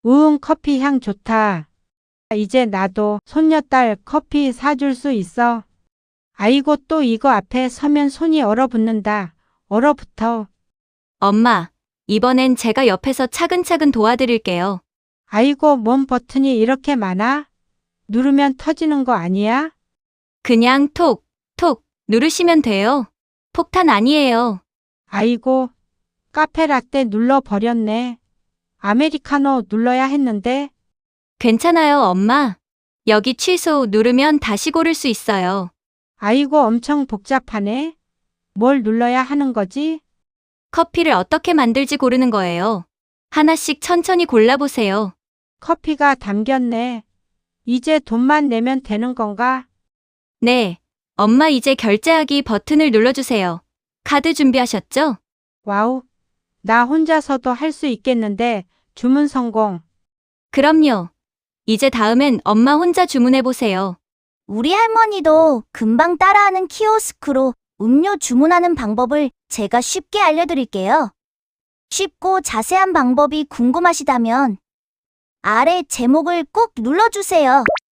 우응, 커피 향 좋다. 이제 나도 손녀딸 커피 사줄 수 있어. 아이고, 또 이거 앞에 서면 손이 얼어붙는다. 얼어붙어. 엄마, 이번엔 제가 옆에서 차근차근 도와드릴게요. 아이고, 뭔 버튼이 이렇게 많아? 누르면 터지는 거 아니야? 그냥 톡, 톡 누르시면 돼요. 폭탄 아니에요. 아이고, 카페라떼 눌러버렸네. 아메리카노 눌러야 했는데. 괜찮아요, 엄마. 여기 취소 누르면 다시 고를 수 있어요. 아이고, 엄청 복잡하네. 뭘 눌러야 하는 거지? 커피를 어떻게 만들지 고르는 거예요. 하나씩 천천히 골라보세요. 커피가 담겼네. 이제 돈만 내면 되는 건가? 네. 엄마 이제 결제하기 버튼을 눌러주세요. 카드 준비하셨죠? 와우, 나 혼자서도 할 수 있겠는데. 주문 성공. 그럼요. 이제 다음엔 엄마 혼자 주문해보세요. 우리 할머니도 금방 따라하는 키오스크로 음료 주문하는 방법을 제가 쉽게 알려드릴게요. 쉽고 자세한 방법이 궁금하시다면 아래 제목을 꼭 눌러주세요.